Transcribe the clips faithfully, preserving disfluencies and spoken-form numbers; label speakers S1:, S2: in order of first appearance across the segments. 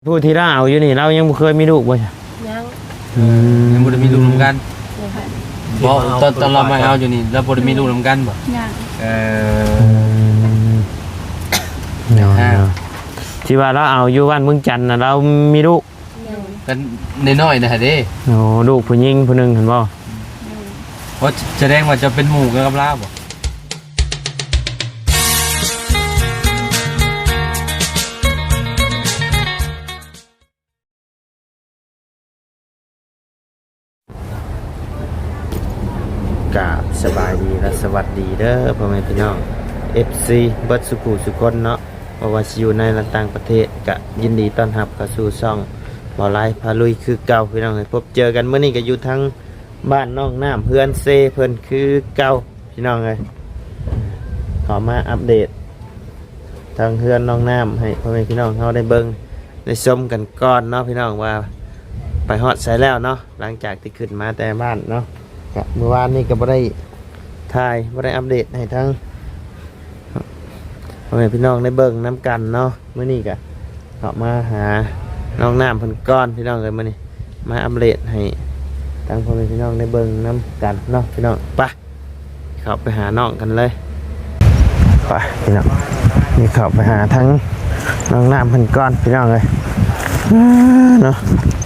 S1: ผู้ที่เราเอาอยู่นี่เรายังบ่เคยมีลูกบ่ใช่
S2: ยัง
S1: อืม
S3: ยังบ่ได้มีลูกนำกัน
S2: เลยค่ะ
S3: บ่ตอนตอนเรามาเอาอยู่นี่เราบ่ได้มีลูกนำกันบ่
S2: ยัง
S3: เอ
S1: อื
S3: อ
S1: มเนาะ
S3: ฮะ
S1: เนาะที่ว่าเราเอาอยู่บ้านเมืองจันทน์น่ะเรามีลูก
S2: ยัง
S3: กันน้อยๆนะฮะเด้
S1: โอ้ลูกผู้หญิงผู้หนึงเห็นบ่
S2: ยัง
S3: เพราะแสดงว่าจะเป็นหมู่กันกับลาบ่
S1: กราบสบายดีและสวัสดีเด้อพ่อแม่พี่น้อง เอฟ ซี เบิดสุขุสุคนเนาะบ่ว่าสิอยู่ในและต่างประเทศก็ยินดีต้อนรับเข้าสู่ช่องบ่ไลฟ์พาลุยคือเก่าพี่น้องให้พบเจอกันมื้อนี้ก็อยู่ทั้งบ้านน้องน้ำเพื่อนเซเพิ่นคือเก่าพี่น้องเอ้ยขอมาอัปเดตทางเพื่อนน้องน้ำให้พ่อแม่พี่น้องเฮาได้เบิ่งได้ชมกันก่อนเนาะพี่น้องว่าไปฮอดไสแล้วเนาะหลังจากที่ขึ้นมาแต่บ้านเนาะก็เมื่อวานนี้ก็บ่ได้ถ่ายบ่ได้อัปเดตให้ทั้งพ่อแม่พี่น้องได้เบิ่งน้ำกันเนาะมื้อนี้ก็เข้ามาหาน้องน้ำเพิ่นก้อนพี่น้องเอ้ยมื้อนี้มาอัปเดตให้ทั้งพ่อแม่พี่น้องได้เบิ่งน้ำกันเนาะพี่น้องไปเข้าไปหาน้องกันเลยไปพี่น้องนี่เข้าไปหาทั้งน้องน้ำเพิ่นก้อนพี่น้องเอ้ยเนาะ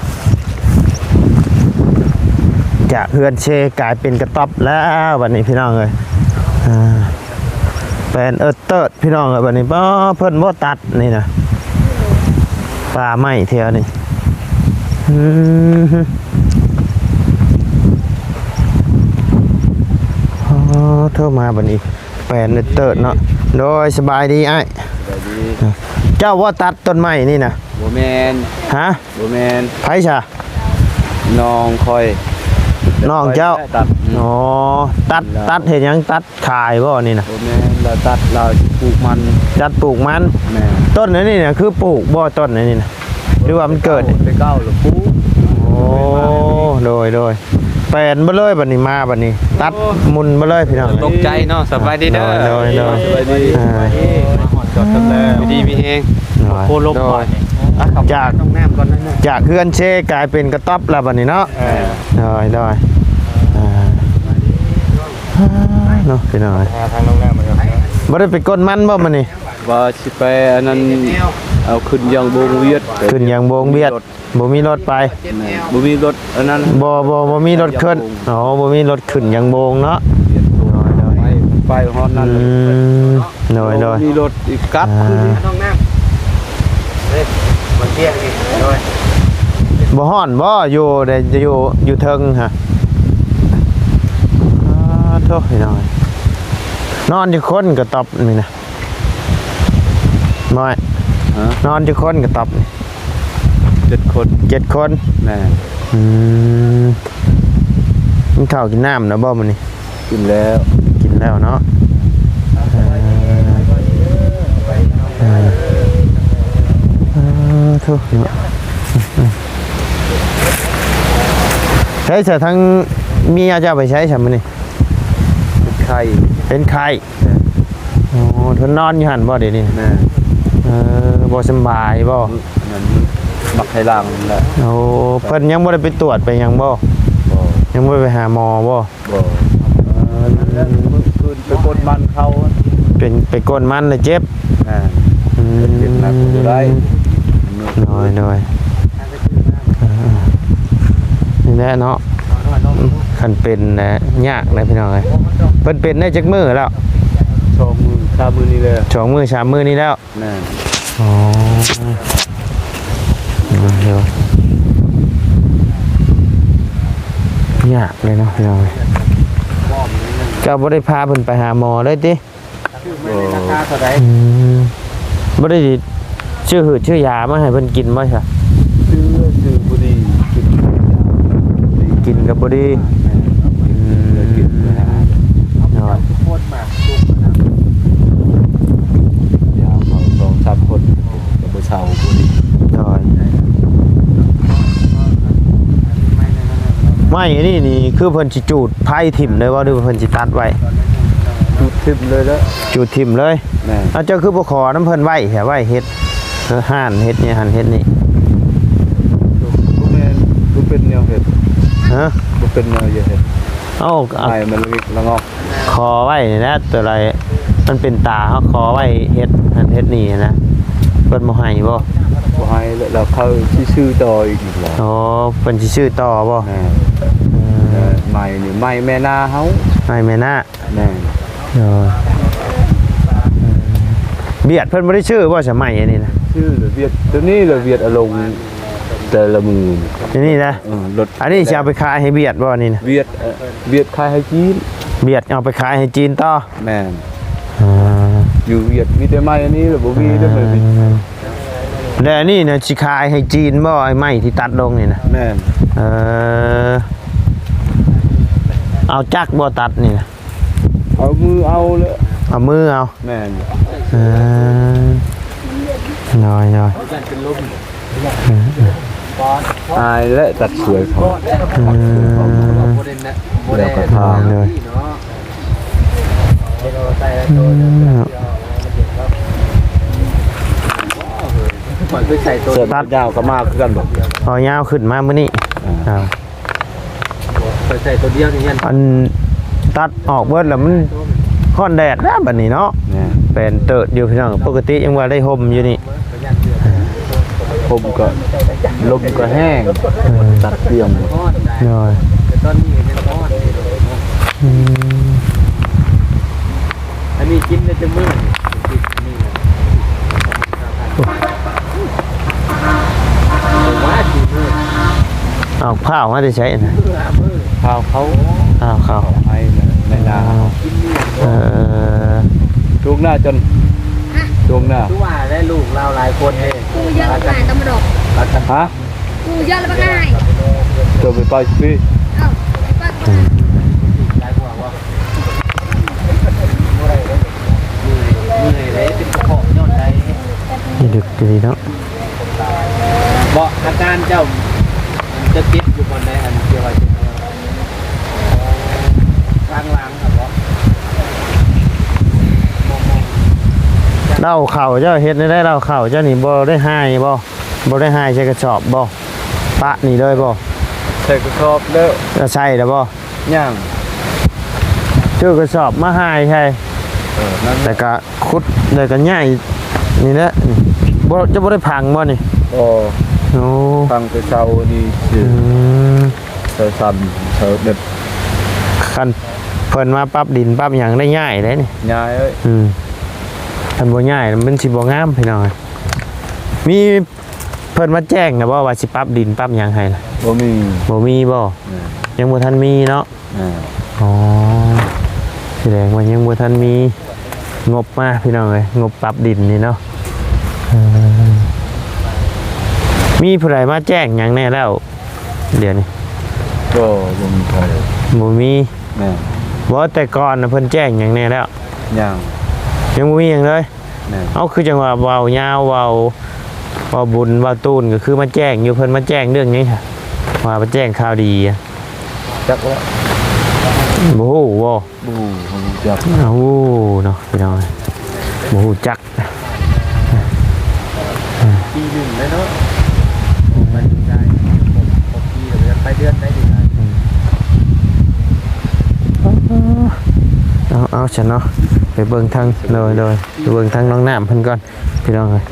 S1: จากเฮือนเชกลายเป็นกระต๊อบแล้ววันนี้พี่น้องเอ้ยอ่าเป็นเอิร์เติร์ดพี่น้องเอ้ยวันนี้บ่เพิ่นบ่ตัดนี่นะป่าไม้เที่ยวนี่อืมอ๋อโทรมาบัดนี้เป็นเอิร์เติร์ดเนาะโดยสบายดีอ้าย
S3: สวัสดี
S1: เจ้าว่าตัดต้นไม้นี่นะ
S3: บ่แม่น
S1: ฮะ
S3: บ่แม่น
S1: ไผซะ
S3: น้องคอย
S1: น้องเจ้า
S3: ตัด
S1: อ๋อตัดตัดเห็นยังตัดขายบ่นี่นะ
S3: บ่แม่นเราตัดเราปลูกมัน
S1: จัดปลูกมัน
S3: แม่
S1: ต้นนี่เนี่ยคือปลูกบ่ต้นนี่นะหรือว่ามันเกิด
S3: ไปเก้าหรือปลูก
S1: โอ้โดยโดยแปลนบ่เลยบัดนี้มาบัดนี้ ตัดมุนบ่เลยพี่น้อง
S3: ตกใจเนาะสบายดีเด้อ
S1: โดยโดย
S3: สบายดี
S1: อ่า
S3: จอดกันแล้วดีมีเฮงโคลบก่อนจาก
S1: จาก
S3: น้องแนมก่อนนั่นน่ะ
S1: จากเฮือนเชกลายเป็นกระต๊อบแล้วบัดนี้เนาะ
S3: เออ
S1: โดยโดยอ่าเนาะพี่น้อง
S3: ทางน้องแนมมาครับ
S1: บ่ได้ไปก้นมันบ่มื้อนี้
S3: ว่าสิไปอันนั้นเอาขึ้นยังบงเวียด
S1: ขึ้นอย่างโบงเบียดบ่มีรถไป
S3: บ่มีรถอันนั้น
S1: บ่บ่บ่มีรถขึ้นอ๋อบ่มีรถขึ้นอย่างโบงเนาะ
S3: ไปไปฮอดนั้น
S1: อืมโดยโดย
S3: มีรถอีกกลับขึ้นน้องแนมเฮ้ยมาเที่ยงนี่โดย
S1: บ่ฮ้อนบ่อยู่ได้จะอยู่อยู่เทิงฮะอ่าโทษพี่น้อยนอนอยู่คนก็ตอบนี่นะบ่อย
S3: ฮะ
S1: นอนอยู่คนก็ตอบนี่
S3: เจ็ดคน
S1: เจ็ดคน
S3: แม่
S1: อืมกินข้าวกินน้ำนะบ่มื้อนี้
S3: กินแล้ว
S1: กินแล้วเนาะเอ่อเอ่อเอ่อโทษเนาะใช้เสทั้งเมียจะเอาไปใช้ใช่ไหมนี่
S3: ไข่
S1: เป็นไข้โอ้ทนนอนอยู่หันบ่เดี๋ยวนี้
S3: แม่
S1: เออบ่สำบายบ่
S3: นั่นบักไข่ลังนั่นแหละ
S1: โอ้เพิ่นยังบ่ได้ไปตรวจไปหยังบ่
S3: บ่
S1: ยังบ่ได้ไปหาหมอบ่
S3: บ่เออนั่นแหละเมื่อคืนไปกดมันเขา
S1: เป็นไปก้นมันเลยเจ็บ
S3: แม่
S1: อืม
S3: เจ็บหนักอยู่ได้
S1: น้อยน้อยเออนี่แหละเนาะคันเป็นนะยากนะพี่น้องเอ้ยเพิ่นเป็นได้จักมื้อแล้ว
S3: ชมมือชามือนี่เลย
S1: สองมื้อสามมื้อนี้แล้ว
S3: แม่
S1: อ๋อเดี๋ยวยากเลยเนาะพี่น้องเอ้ยเจ้าบ่ได้พาเพิ่นไปหาหมอเลยติ
S3: บ่
S1: อืมบ่ได้ชื่อหืดชื่อยามาให้เพิ่นกินบ่ใช่
S3: ซื้อซื้อบุหรี่กิน
S1: กินกับบ่ดีอืม
S3: กินนะฮะ
S1: เนาะ
S3: ทุกคนมาลูกนะยาเขาสองสามคนกับบ่เช่าบุหรี่
S1: เนาะไม่อันนี้นี่คือเพิ่นสิจูดไผ่ถิ่มเลยว่าหรือว่าเพิ่นสิตัดไว้
S3: จุดทิมเลยแล้ว
S1: จูดถิ่มเลย
S3: แม่
S1: เอาเจ้าคือบ่ขอน้ำเพิ่นไว้แค่ไว้เฮ็ดเออห่านเฮ็ดนี่หั่นเฮ็ดนี่
S3: เป็นแนวเห็ด
S1: ฮะ
S3: บ่เป็นแนวเห็ด
S1: เอ้าเอา
S3: ไม้มันเล็กละงอก
S1: คอไว้นี่นะตัวอะไรมันเป็นตาเขาคอไว้เฮ็ดอันเฮ็ดนี่นะเพิ่นบ่ให้บ่
S3: บ่ให้แล้วเขาสิซื้อต่ออีกนี่ล่ะ
S1: อ๋อเพิ่นสิชื่อต่อบ่
S3: แม่
S1: อืม
S3: เออไม้นี่ไม้แม่นาเฮา
S1: ให้แม่นะ
S3: แม่
S1: เออเบียดเพิ่นบ่ได้ชื่อบ่สมัยอันนี้นะ
S3: ชื่อระเวียดตัวนี้ระเวียดอารมณ์แต่ละมือ
S1: อันนี้นะ
S3: เออรถ
S1: อันนี้จะเอาไปขายให้เบียดบ่นี่นะ
S3: เวียดเอ่อเวียดขายให้จีน
S1: เบียดเอาไปขายให้จีนต่อ
S3: แม่น
S1: อ่า
S3: อยู่เวียดมีแต่ไม้อันนี้แล้วบ่มีได้เลย
S1: แล้วอันนี้นะสิขายให้จีนบ่ไอ้ไม้ที่ตัดลงนี่นะ
S3: แม่น
S1: เออเอาจักรบ่ตัดนี่นะ
S3: เอามือเอาเลย
S1: เอามือเอา
S3: แม่น
S1: เออน้อยน้อย
S3: อายและตัดสวยเขา
S1: อืม
S3: แล้วก็ทา
S1: เลยอืม
S3: เสื้อตัดยาวก็มากคือกันบ่
S1: เอายาวขึ้นมามื้อนี้เอา
S3: ใส่ตัวเดียวนี่ยัน
S1: อันตัดออกเบิดแล้วมันค่อนแดดแล้วบัดนี้เนาะ
S3: แม่น
S1: เป็นเติดอยู่พี่น้องปกติยังว่าได้ห่มอยู่นี่
S3: ผมก็ลมก็แห้งตัดเตรียม
S1: น้อย
S3: ตอนนี้ยังร้อน
S1: อืม
S3: อันนี้กินได้จะมื้อว่าสิมื้อ
S1: เอาข้าวมาได้ใช้นะ
S3: ข้าวเขา
S1: ข้าวข้าว
S3: ให้ในนา
S1: เออ
S3: ช่วงหน้าจนช่วงหน้า
S2: คือว่าได้ลูกเราหลายคนเอง
S4: กูเยอะกว่าตำรวจ
S3: ฮะ
S4: กูเยอะแล้วบ้างไง
S3: ตัวไปไปพี่
S4: เอ้าไอ้ป้าก็
S2: หลายกว่าว่าเหนื่อยเหนื่อยเลยเป็นกระเพาะย้อนใด
S1: นี่ดึกดีเนาะ
S2: เบาะอาการเจ้าจะติดอยู่บนใดอันเดียวว่าจะกลางหลังครับเนาะ
S1: เล่าเข่าเจ้าเฮ็ดได้ได้เล่าเข่าเจ้านี่บ่ได้หายบ่บ่ได้หายใช้กระสอบบ่ปะนี่เลยบ่
S3: ใส่กระสอบแล้ว
S1: จะใช่แล้วบ่
S3: ย่าง
S1: ชื่อกระสอบมาหายใช่
S3: เออนั่น
S1: แต่ก็ขุดแล้วก็ย่ายนี่แหละนี่บ่จะบ่ได้พังบ่นี่
S3: โอ้
S1: โอ้
S3: ฟังไปเช้าดีสิ
S1: อืม
S3: เช้าซ้ำเช้าเด็ด
S1: คันเพิ่นมาปรับดินปรับหยังได้ง่ายเลยนี่
S3: ยายเอ้ย
S1: อืมคันบ่ง่ายมันสิบ่งามพี่น้องมีเพิ่นมาแจ้งนะบ่ว่าสิปรับดินปรับหยังให้ล่ะ
S3: บ่มี
S1: บ่มีบ่
S3: เออ
S1: ยังบ่ทันมีเนาะ
S3: เออ
S1: อ๋อแสดงว่ายังบ่ทันมีงบมาพี่น้องเอ้ยงบปรับดินนี่เนาะเออมีผู้ใดมาแจ้งหยังแน่แล้วเดี๋ยวนี้
S3: ก็บ่มีใคร
S1: บ่มี
S3: แม่
S1: บ่แต่ก่อนน่ะเพิ่นแจ้งหยังแน่แล้ว
S3: ย่าง
S1: ยังบ่มีหยังเลย
S3: แม่
S1: เอาคือจังว่าเว้ายาวเว้าเว้าบุญเว้าตูนก็คือมาแจ้งอยู่เพิ่นมาแจ้งเรื่องนี้ค่ะว่ามาแจ้งข่าวดีอะ
S3: จักแล้ว
S1: บ่ฮู้บ่
S3: บูผมจัก
S1: อ้าวเนาะพี่น้องบ่ฮู้จัก
S2: ปีหนึ่งเลยเนาะไปได้หกปีเดือนไปเดือนได้ดีเลย
S1: เอาเอาฉันเนาะไปเบิ่งทางเลยเลยไปเบิ่งทางน้องน้ำเพิ่นก่อนพี่น้องเอ้ย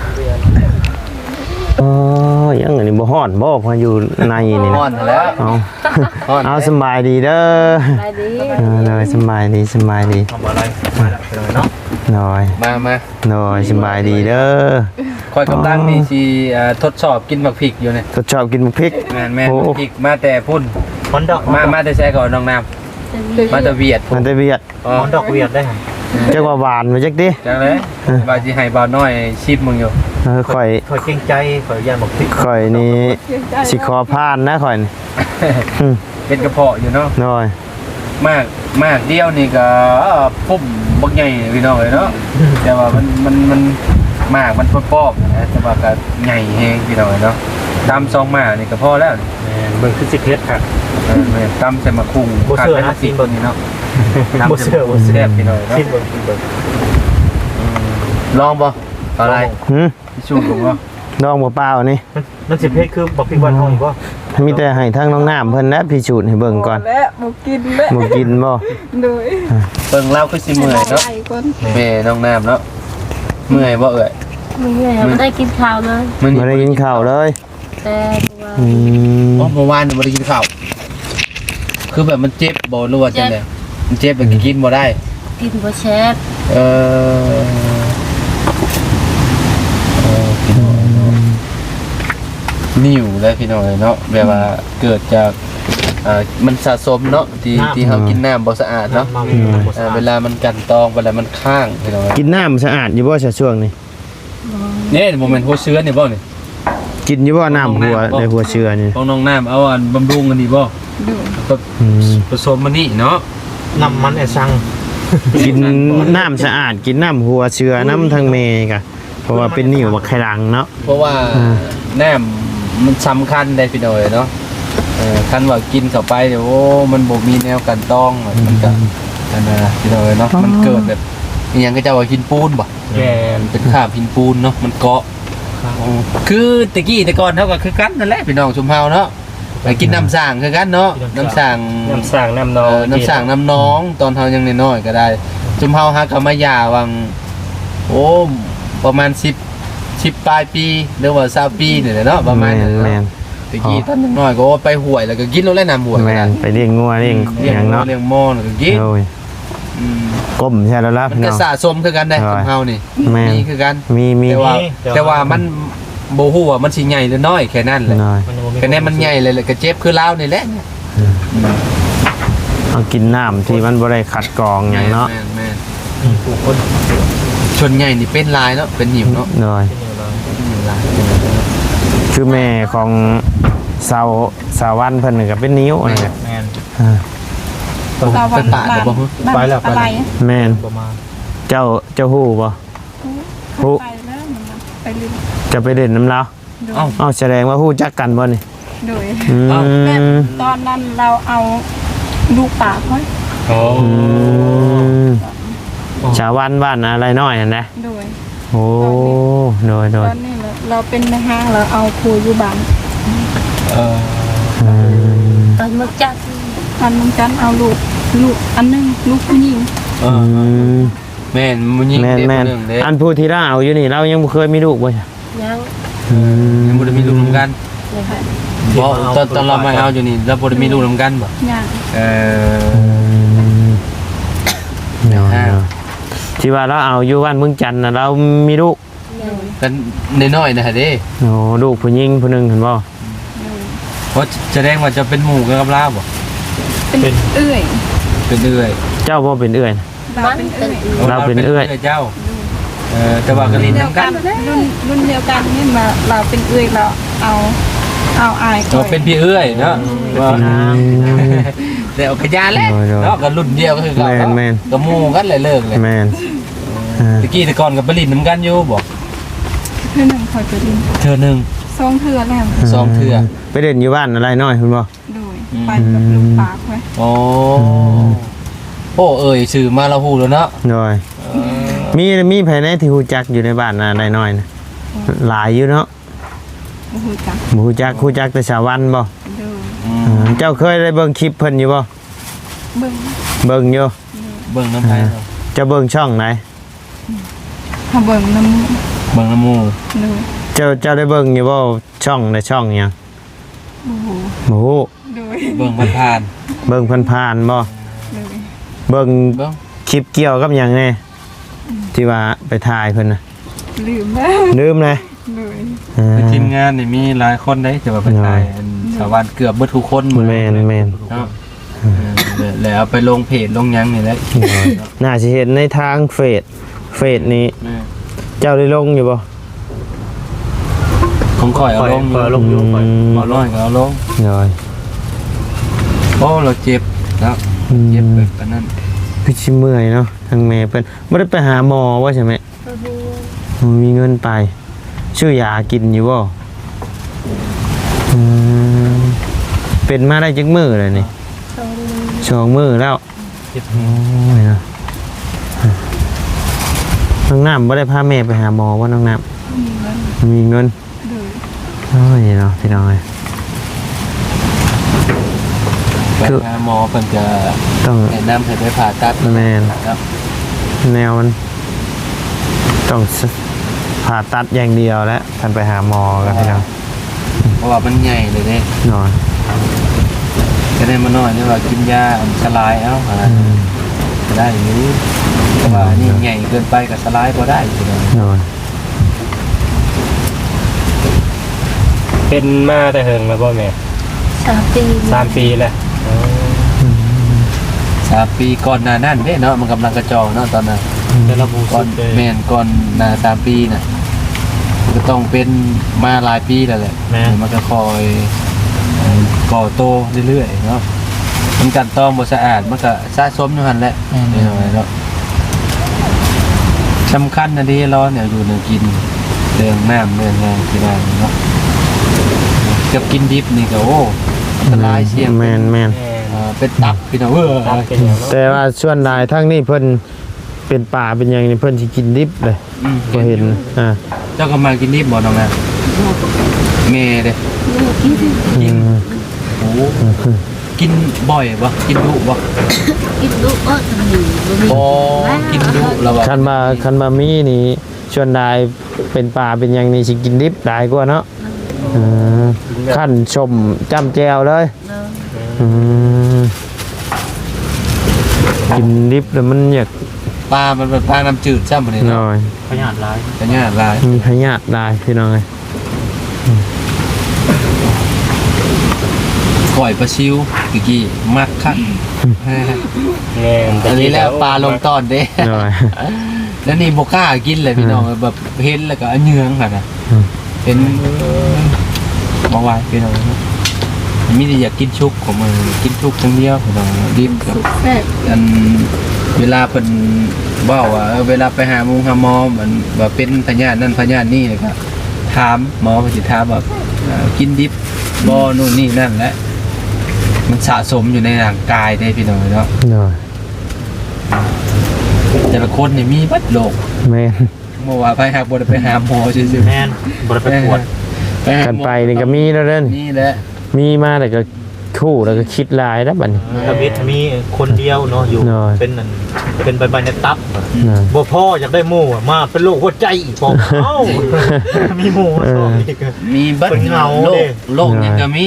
S1: อ๋อยังอันนี้บ่ฮ้อนบ่พออยู่ในนี่นะ
S2: อ่อนแล้ว
S1: เอา เอาสำบายดีเด้อ
S4: ไปดี
S1: เออเลยสำบายดีสำบายดี
S2: ทำอะไรมาแล้วไปเลยเนาะ
S1: หน่อย
S2: มามา
S1: หน่อยสำบายดีเด้อ
S2: คอยกำลังนี่สิทดสอบกินบักพริกอยู่เนี่ย
S1: ทดสอบกินพริก
S2: แม่นแม่
S1: โอ้
S2: พริกมาแต่พุ่นคนดอกมามาแต่ใช้ก่อนน้องน้ำมาแต่เวียด
S1: มันจะเวียด
S2: คนดอกเวียดได้
S1: จักว่าหวานมาจักดิ
S2: จังเลยบาสิให้บ่าวน้อยชิมมึงอยู่
S1: เออข่อย
S2: คอยเก่งใจคอยย่านบักพริก
S1: ข่อยนี่สิขอผ่านนะข่อยนี่อืม
S2: เป็นกระเพาะอยู่เนาะ
S1: หน่อย
S2: มากมากเดียวนี่ก็พุ่มบักใหญ่พี่น้องเลยเนาะแต่ว่ามันมันมันมากมันปอกๆนะแต่ว่าก็ใหญ่แฮงพี่น้องเลยเนาะตำซองมานี่ก็พอแล้วนี่
S5: เบิ่งคือสิเพชรครับ
S2: เออแม่นตำใส่มะคุง
S5: บ่เชื่อนะ
S2: ขาดไป
S5: ซีนเบิ่ง
S2: นี่เนาะ
S5: บ่เชื่อบ่เชื่อ
S2: แซ่บพี่น้องเนาะ
S5: ซีนเบิ่งซีนเบิ่ง
S2: ลองบ่อะไร
S1: หืม
S2: พี่ชูผมบ่
S1: ดองเปล่าๆนี่
S5: มันมันสิเพชรคือบอกพี่วันห้องบ่
S1: มีแต่ให้ทั้งน้องน้ำเพิ่นและพิสูจน์ให้เบิ่งก่อน
S6: และบ่กินและ
S1: บ่กินบ่
S6: โดย
S2: เบิ่งเล่าคือสิเมื่อยเนาะ
S6: ไอ้คน
S2: แม่น้องน้ำเนาะเมื่อยบ่เอ่ย
S7: มึงเลยไม่ได้กินข้าวเลย
S1: บ่ได้กินข้าวเลย
S7: แต่ตัว
S1: อืม
S2: อ๋อเมื่อวานบ่ได้กินข้าวคือแบบมันเจ็บบ่รู้ว่าจังได๋มันเจ็บแบบกินบ่ได้
S7: กินบ่แชฟ
S2: เออเออพี่น้องเนาะนิ่วแล้วพี่น้องเนาะแบบว่าเกิดจากอ่ามันสะสมเนาะที่ที่เฮากินน้ำบ่สะอาดเนาะ
S5: เมาบ่
S2: อ่าเวลามันกันตองเวลามันข้างพี่น้อง
S1: กินน้ำสะอาดอยู่บ่ซะช่วงนี้
S2: นี่โมเมนต์หัวเชื้อนี่บ่นี่
S1: กินอยู่บ่น้ำหัวในหัวเชื้อนี่
S2: ของน้องน้ำเอาอันบำรุงกันนี่บ่
S6: ดู
S1: อืม
S2: ผสมมันนี่เนาะ
S5: น้ำมันไอ้ซัง
S1: กินน้ำสะอาดกินน้ำหัวเชื้อน้ำทางเมกะเพราะว่าเป็นนิ่วบักไข่รังเนาะ
S2: เพราะว่า
S1: อ่า
S2: น้ำมันสำคัญได้พี่น้อยเนาะเออคันว่ากินเข้าไปเดี๋ยวโอ้มันบ่มีแนวกันต้องมันก็นั่นนะพี่น้อยเนาะมันเกิดแบบอหยังก็จะว่ากินปูนบ่
S5: แก
S2: มันเป็นคราบหินปูนเนาะมันเกาะคือตะกี้แต่ก่อนเท่ากับคือกันนั่นแหละพี่น้องชุมเฮาเนาะไปกินน้ำสร้างคือกันเนาะน้ำสร้าง
S5: น้ำสร้างน้ำนอ
S2: เอง อน้ำสร้างน้ำน้องตอนเฮายังน้อยๆก็ได้ชุมเฮาฮักกับมายาวังโอ้ประมาณสิบ สิบปลายปีหรือว่าสามปีนี่แหละเนาะประมาณ
S1: แม่
S2: นั้น
S1: นแม่น
S2: ตะกี้ตอนน้อยๆก็ไปห่วยแล้วก็กินแล้วแหละน้ำห่วย
S1: แม่นไปเลี้ยงงัวเลี้ยงอ
S2: เลี้ยง
S1: ย่างเนาะ
S2: เลี้ยงหม้อแล้วก็กิน
S1: โอ้ย
S2: อืม
S1: ก้มใช่แล้วล่ะ
S2: มัน
S1: พี่
S2: ก็
S1: น้อง
S2: สะสมคือกันได้ชุมเฮานี่
S1: แม่น
S2: มีคือกัน
S1: มีมี
S2: แต่ว่าแต่ว่ามันโบฮู้ว่ามันสิใหญ่หรือน้อยแค่นั้นแหละ
S1: น้อย
S2: แค่นั้นมันใหญ่เลยแหละก็เจ็บคือลาวนี่แหละ
S1: เอากินน้ำที่มันบ่ได้ขัดกรองอย่างเนาะ
S2: แม่แม่
S5: ผู้คน
S2: ชนใหญ่นี่เป็นลายเนาะเป็นหิวเนาะ
S1: น้อย
S2: เป็นหิวลาย
S1: คือแม่ของสาวสาววันเพิ่นนี่ก็เป็นนิ้วนี่แหละ
S5: แมน
S1: อ่า
S6: ตะวัน
S2: ไปป่าเดี๋ยวบ่ฮู้
S5: ไปแล้วไปแล้ว
S1: แม่น
S5: ประมาณ
S1: เจ้าเจ้าฮู้บ่ ฮู้
S6: ไปแล้วมันไปลืม
S1: จะไปเด่นน้ำลาว
S2: เอ้า
S1: เอ้าแสดงว่าฮู้จักกันบ่นี่
S6: โดย
S1: อื
S6: แบบ
S1: ม
S6: ตอนนั้นเราเอาลูกปากไว้
S2: โอ้
S1: อืมชาววันบ้านอะไรน้อยนั่นนะ
S6: โดย
S1: โอ้โดยโด
S6: ต
S1: ย
S6: อนนี้เราเราเป็นในห้างเราเอาครูอยู่บ้าน
S2: เออ
S1: อืม
S7: ตอนมึกจัด
S6: ตอนมึงกันเอาลูกลูกอันหนึงลูกผู้หญิง
S2: เอ
S1: อื
S2: อ
S1: ม
S2: แม่นมันยิง
S1: แม่น
S2: เด็ก
S1: แม่น
S2: หนึงเด้
S1: อันผู้ที่เราเอาอยู่นี่เรายังบ่เคยมีลูกบ่ใช่
S7: ยัง
S1: อืม
S2: ยังบ่ได้มีลูกนํกัน
S7: เลยค่ะ
S2: บ่ตอนตอนเรามาเอาอยู่นี่เราบ่ได้มีลูกนํกันบ่
S6: ย่าง
S2: เออ
S1: เนาะ
S2: อ่า
S1: เนาะที่ว่าเราเอาอยู่บ้านเมืองจันทน์น่ะเรามีลูก
S7: ยัง
S2: กันน้อยๆนะฮะเด้
S1: โอ้ลูกผู้หญิงผู้หนึงเห็นบ่
S2: เพราะแสดงว่าจะเป็นหมู่กับลาวบ่
S6: เป็นเอื้อย
S2: เป็นเอื้อย
S1: เจ้าบ่เป็นเอื้อย
S6: เรา
S7: มัน
S6: เป็น
S7: เป็
S6: เอื้อย
S7: น
S1: เราเป็นเอื้อย
S2: เจ้าเออแต่ว่ากะลิน
S6: เดียว
S2: นํ
S6: กั
S2: กัน น
S6: รุ่นรุ่นเดียวกันนี่มาเราเป็นเอื้อยเราเอาเอาอาย
S2: เราเป็นพี่เอื้อยเนาะว่า
S1: อืม
S2: แต่เอากระยาแล้ว
S1: โดยโดย
S2: เนาะก็รุ่นเดียวก็คือเก่า
S1: แม่นแม่น
S2: ก็หมู่กันเลยเลิกเลย
S1: แม่นอ่า
S2: ตะกี้แต่ก่อนกับปรินนํกันอยู่บ่
S6: เพื่อนหนึ่งคอยไปดิน
S2: เธอหนึง
S6: สองเทือแล้ว
S2: สองเทื่อ
S1: ไปเด่นอยู่บ้านอะไรน้อยคุณบ่
S6: โดยไปกับลูกปากไว้
S2: โอ้โอ้เอ่ยชื่อมาเราฮู้แล้วเนาะ
S1: น้อยมีมีภายในที่ฮู้จักอยู่ในบ้านอะไรน้อยนะหลายอยู่เนาะ
S6: โอ้โหจัง
S1: บ่ฮู้จักฮู้จักแต่ชาววันบ่
S6: โดย
S2: อืม
S1: อ่าเจ้าเคยได้เบิ่งคลิปเพิ่นอยู่บ่
S6: เบิ่ง
S1: เบิ่งอยู่
S2: เบิ่งน้ำไผเนาะ
S1: เจะเบิ่งช่องไหน
S6: ถ้าเบิ่งน้
S2: เบิ่งน้ำหมู่
S6: ำโดย
S1: เจ้าเจ้าได้เบิ่งอยู่บ่ช่องในช่องหยัง
S6: โอ้โห
S1: บ่ฮู้
S6: โดย
S2: เบิ่งผ่าน
S1: เบิ่งผ่านๆบ่
S6: โดย
S1: เบิ่ง
S2: ๆเบิ่ง
S1: คลิปเกี่ยวกับหยังแน่ที่ว่าไปถ่ายเพิ่นน่ะ
S6: ลืมแล้ว
S1: ลืมเลย
S6: โดย
S1: อ่า
S2: ในทีมงานนี่มีหลายคนได้แต่ว่าเป็น
S1: น้อย
S2: ตายอันชาวบ้านเกือบเบิดทุกคนหมด
S1: แม่นแม่น
S2: เนาะเออแล้วเอาไปลงเพจลงหยังนี่แหละ
S1: น่าจะเห็นในทางเฟซเฟซนี้
S2: แม่
S1: เจ้าได้ลงอยู่บ่
S2: ของข่อยเอาลง
S5: เปิดลงอยู่ไป
S2: เอาลงก็เอาลง
S1: น้อย
S2: โอ้เราเจ็บแล้ว
S1: อืม
S2: เจ็บแบบปานนั้น
S1: คือชิเมื่อยเนาะทางแม่เพิ่นบ่ได้ไปหาหมอว่าใช่ไหม
S7: ก็คือ
S1: บ่มีเงินไปชื่อยากินอยู่บ่อืมเป็นมาได้จักมื้อเลยนี่
S7: ตรงนี้
S1: สองมื้อแล้ว
S5: เจ็บ
S1: โอ้ยเนาะน้องน้ำบ่ได้พาแม่ไปหาหมอว่าน้องน้ำมีเงิน
S6: โดย
S1: โอ้ยเนาะพี่น้องเอ้ย
S2: ไปหาหมอเพิ่นจะ
S1: ต้อง
S2: แนะนำให้ไปผ่าตัด
S1: แม่น
S2: ครับ
S1: แนวมันต้องสผ่าตัดอย่างเดียวแล้วท่านไปหาหมอกันพี่น้อง
S2: เพราะว่ามันใหญ่เลยเด้
S1: นอน
S2: จะได้มาน้อยนี่ว่ากินยาอันสลายเอ้าอะไร
S1: อืม
S2: ก็ได้อยู่แต่ว่านี่ใหญ่เกินไปก็สลายบ่ได้พี่น้อง
S1: นอน
S5: เป็นมาแต่เฮิงแล้วบ่แม่
S7: สามปี
S5: สามปีแล้ว
S2: สามปีก่อนหน้านั้นเด้เนาะมันกำลังกระจองเนาะตอนนั้น
S5: แต่ระบุ
S2: ก่อ
S5: สุ
S2: น
S5: ดเลย
S2: แม่นก่อนหน้าสามปีน่ะมันก็ต้องเป็นมาหลายปีแล้วแหละ
S5: แม่
S2: มันก็คอยก่อโตเรื่อยๆเนาะมันกันต้องบ่สะอาดมันก็สะสมอยู่หั่นแหละนี่เนาะสำคัญนะเดิเราเนี่ยอยู่ในกินเรื่องน้ำเรื่องงานที่บ้านเนาะกับกินดิบนี่ก็โอ้อันตรายเสี่ยง
S1: แมนแมน
S5: แม่
S2: เอ่อเป็นตับพี่น้องเออ
S5: ตามเป็นอย่างเนาะ
S1: แต่ว่าส่วนหลายทั้งนี้เพิ่นเป็นป่าเป็นอย่างนี้เพิ่นสิกินดิบเลย
S2: อืม
S1: ก็เห็นอ่า
S2: เจ้าก็มากินดิบบ่น้องนะแม่เด้
S1: อืม
S2: โอ้กินบ่อยบ่กินดุบ่
S7: กินลูกอ้อตรงนี้บ่มี
S2: บ่กินดุแล้วว่า
S1: คันมาคันมามีนี่ส่วนหลายเป็นป่าเป็นอย่างนี้สิกินดิบหลายกว่าเนาะอืมขั้นชมจ้ำแจวเลย
S7: เนาะ
S1: อืมกินดิบแล้วมันอยาก
S2: ปลามันเป็นปลาน้ำจืดซ้ำบ่นี่
S1: หน่
S2: เนาะ
S1: อย
S5: พยาธิร้าย
S2: แต่เนี่ยหลาย
S1: มีพยาธิได้พี่น้องเอ้ย
S2: ก่อยปลาซิวตะกี้มักคัก
S5: แม่น
S2: อันนี้แหละปลาลงตอนเด้
S1: หน่อย
S2: แล้วนี่บ่กล้ากินเลยพี่น้องแบบเห็นแล้วก็อันเยืองค่ะนะ
S1: อืม
S2: เห็นบ่ไหวพี่น้องมีแต่อยากกินชุกของมันกินชุกทั้งเดียวพี่น้องดิบกับ
S7: แซ่บ
S2: อันเวลาเพิ่นเว้าว่าเออเวลาไปหาหมงหาหมอมันว่าเป็นพยาธินั่นพยาธินี่เลยก็ถามหมอเพิ่นสิถามว่าเอ่อกินดิบบ่นู่นนี่นั่นแหละมันสะสมอยู่ในร่างกายได้พี่น้องเนาะ
S1: หน่อย
S2: แต่ละคนนี่มีเบัดโรค
S1: แม่น
S2: เมื่อว่าไปหาบ่ได้ไปหาหมอซื่อๆ
S5: แม่นบ่ได้ไปปวด
S2: ไปหา
S1: กัน
S2: หมอ
S1: ไปนี่ก็มีแล้วเด้อ
S2: นี่แหละ
S1: มีมาแต่ก็คู่แล้วก็คิดหลายแล้วบัดนี้
S5: ทวิตมีคนเดียวเนาะอยู่
S1: น้อย
S5: เป็นนั่นเป็นใบๆในตับ
S1: น่ะ
S5: บ่พ่ออยากได้หมู่อะมาเป็นโรคหัวใจอีกพอเอ้ามีหมู่มาสองอีกอะ
S2: มีเบัด
S5: เป็นเงา
S2: โร
S5: เด้
S2: คโรคยังก็มี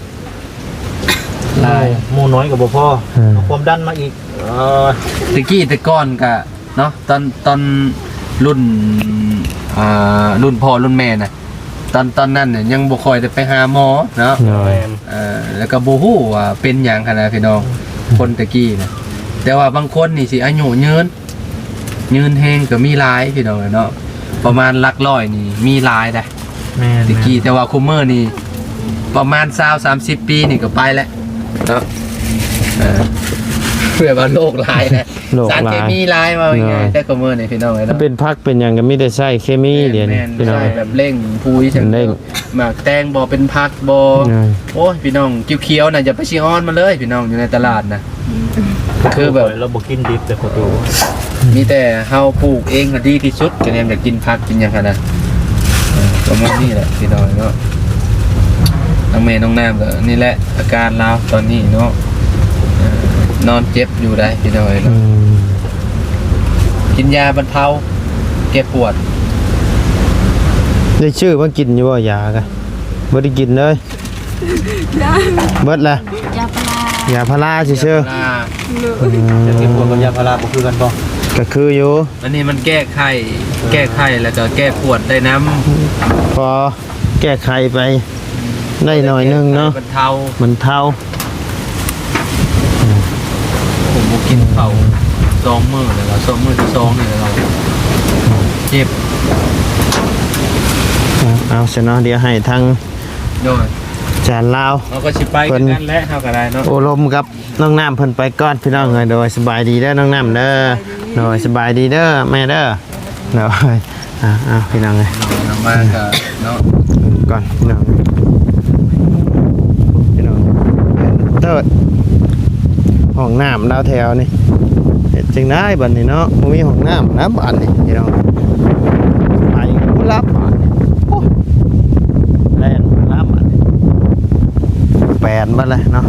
S2: หลาย
S5: หมู่น้อยกับบ่พ่อเอาความดันมาอีกเออ
S2: ตะกี้แต่ก่อนก็เนาะตอนตอนรุ่นอ่ารุ่นพ่อรุ่นแม่น่ะตอนตอนนั้นเนี่ยยังบ่ค่อยได้ไปหาหมอเนาะ
S1: หน่อย
S5: แม่น
S2: เอ่อแล้วก็บ่ฮู้ว่าเป็นหยังขนาดพี่น้องคนตะกี้น่ะแต่ว่าบางคนนี่สิอายุยืนยืนแฮงก็มีหลายพี่น้องเนาะประมาณหลักร้อยนี่มีหลายได้
S5: แม่น
S2: ตะกี้แต่ว่าคุมเมอร์นี่ประมาณยี่สิบ สามสิบปีนี่ก็ไปแล้วเนาะเออเพื่อว่าโรคหลายนะ
S1: โรค
S2: สาร
S1: หลาย
S2: เคมีหลายมาอย่างไง
S1: น้อย
S2: แต่คุมเมอร์นี่พี่น้องเอ้ย
S1: ถ้า
S2: เนาะ
S1: เป็นพักเป็นอย่างก็มีแต่ใช้เคมีเดี๋ยวนี้
S2: แม่น
S1: พี่น้อง
S2: ใช่แบบเร่งพูย
S1: เป็นเร่ง
S2: หมากแตงบ่เป็นพักบ่
S1: น้อย
S2: โอ้ยพี่น้องเขียวๆน่ะอย่าไปชิออนมาเลยพี่น้องอยู่ในตลาดนะคือแบบ
S5: เราบ่กินดิบแต่พอดู
S2: มีแต่เฮาปลูกเองก็ดีที่สุดจะแนมอยากกินผักกินหยังขนาดเออประมาณนี้แหละพี่น้องเนาะน้องเมย์น้องน้ำก็นี่แหละอาการเราตอนนี้เนาะเอ่อนอนเจ็บอยู่ได้พี่น้อง
S1: อื
S2: เนาะ
S1: ม
S2: กินยาบรรเทาแก้ปวด
S1: ได้ชื่อมากินอยู่บ่ยากะบ่ได้กินเลยเบิดละ
S7: ยาพาราย
S1: าพาราซื่อ
S2: ลา
S1: ๆอืม
S5: จะกินพวกกับยาพาราบ่คือกันบ่
S1: ก็คืออยู่
S2: อันนี้มันแก้ไข้แก้ไข้แล้วก็แก้ปวดได้น้ำ
S1: พอแก้ไขไปได้หน่อยหนึงเนาะ
S2: บรรเทา
S1: มันเท่า
S2: ผมบ่กินข้าวสองมื้อแล้วก็สองมื้อที่สองนี่แล้วเราเจ็บ
S1: เอาเอาซะเนาะเดี๋ยวให้ทาง
S2: โดย
S1: จานลาว
S2: เราก็สิไปกันนั่นแหละเฮาก็ได้เนาะ
S1: โอลมกับน้องน้ำเพิ่นไปก่อนพี่น้องเอ้ยโดยสบายดีเด้อน้องน้ำเด้อโดยสบายดีเด้อแม่เด้อโดยอ่าอ่าพี่น้องเอ้ย
S2: เรามาก็เนาะ
S1: ก่อนพี่น้องพี่น้องเติร์ดห้องน้ำดาวแถวนี่เฮ็ดจังได้บัดนี้เนาะบ่มีห้องน้ำนะบัดนี้พี่น้องไปผู้รับบัดนี้โอ้แล่นแบนบ้าเลยเนาะ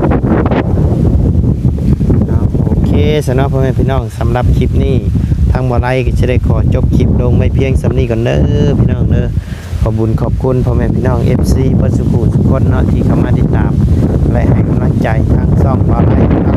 S1: เอาโอเคสำหรับพ่อแม่พี่น้องสำหรับคลิปนี้ทางบ่อไร่ก็จะได้ขอจบคลิปลงไม่เพียงสำนี้ก่อนเด้อพี่น้องเด้อขอบุญขอบคุณพ่อแม่พี่น้อง เอฟ ซี เพิ่นสุขุทุกคนเนาะที่เข้ามาติดตามและให้กำลังใจทางช่องบ่อไร่